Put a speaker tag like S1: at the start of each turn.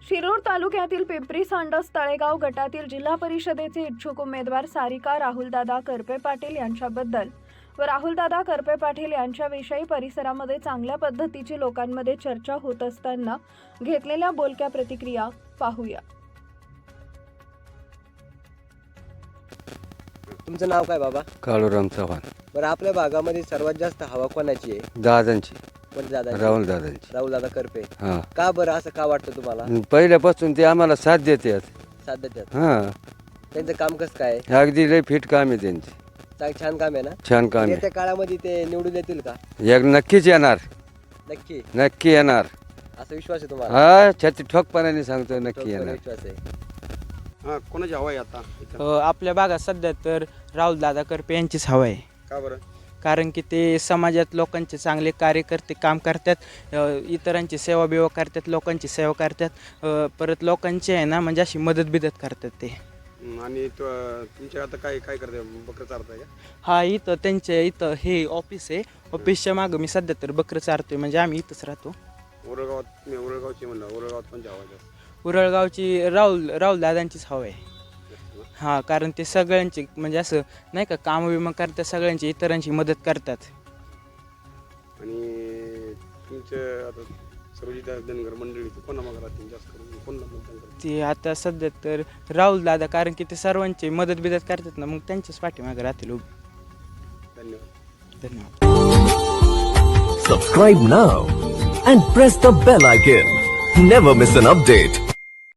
S1: शिरूर तालुक्यातील पिंपरी सांडस तळेगाव गटातील जिल्हा परिषदेचे इच्छुक उमेदवार सारिका राहुलदादा करपे पाटील यांच्याबद्दल व राहुलदादा करपे पाटील यांच्याविषयी परिसरामध्ये चांगल्या पद्धतीची लोकांमध्ये चर्चा होत असताना घेतलेल्या बोलक्या प्रतिक्रिया पाहूया।
S2: तुमचं नाव काय बाबा?
S3: काळूराम चव्हाण।
S2: बरं, आपल्या भागामध्ये सर्वात जास्त हवा कोणाची आहे?
S3: दादांची,
S2: कोणत्या दादा?
S3: राहुल दादांची।
S2: राहुल दादा करपे।
S3: हा,
S2: का बरं असं का वाटतं तुम्हाला?
S3: पहिल्यापासून ते आम्हाला साथ देतात।
S2: साथ देतात?
S3: हा,
S2: त्यांचं काम कसं काय?
S3: अगदी लय फिट काम आहे त्यांचे।
S2: छान काम आहे ना?
S3: छान काम आहे।
S2: येत्या काळामध्ये ते निवडून येतील का?
S3: एक नक्कीच येणार,
S2: नक्की
S3: नक्की येणार
S2: असा विश्वास आहे तुम्हाला?
S3: हा, छाती ठोकपणाने सांगतो नक्की येणार।
S2: विश्वास आहे।
S4: कोणाची हवा आहे आता?
S5: आपल्या भागात सध्या तर राहुल दादा करपे यांचीच हवा आहे।
S4: का बरं?
S5: कारण की ते समाजात लोकांचे चांगले कार्यकर्ते काम करतात, इतरांची सेवा बिवा करतात, लोकांची सेवा करतात, परत लोकांची आहे ना म्हणजे अशी मदत बिदत करतात ते।
S4: आणि तुमच्या आता काय काय करते? बकरं चारताय का?
S5: हा, इथं त्यांच्या इथं हे ऑफिस आहे, ऑफिसच्या मागं मी सध्या तर बकरं चारतोय, म्हणजे आम्ही इथंच राहतो।
S4: उरळगावात, मी उरळगावची म्हणलं, उरळगावात कोणची हवा आहे?
S5: उरळगावची राहुल दादांचीच हवा आहे। हां, कारण ते सगळ्यांची म्हणजे असं नाही का काम विमा करतात, सगळ्यांची इतरांची मदत करतात।
S4: आणि तुमच्या आता सर्वजित धनगर मंडळी कोणा मागं राहतील जास्त करून? कोणला मतदान करतील?
S5: ते आता सध्या तर राहुल दादा, कारण की ते सर्वांची मदत बिदत करतात ना, मग त्यांच्याच पाठीमागे राहतील उभे।
S4: धन्यवाद।
S5: धन्यवाद।
S6: Subscribe now and press the bell icon. Never miss an update.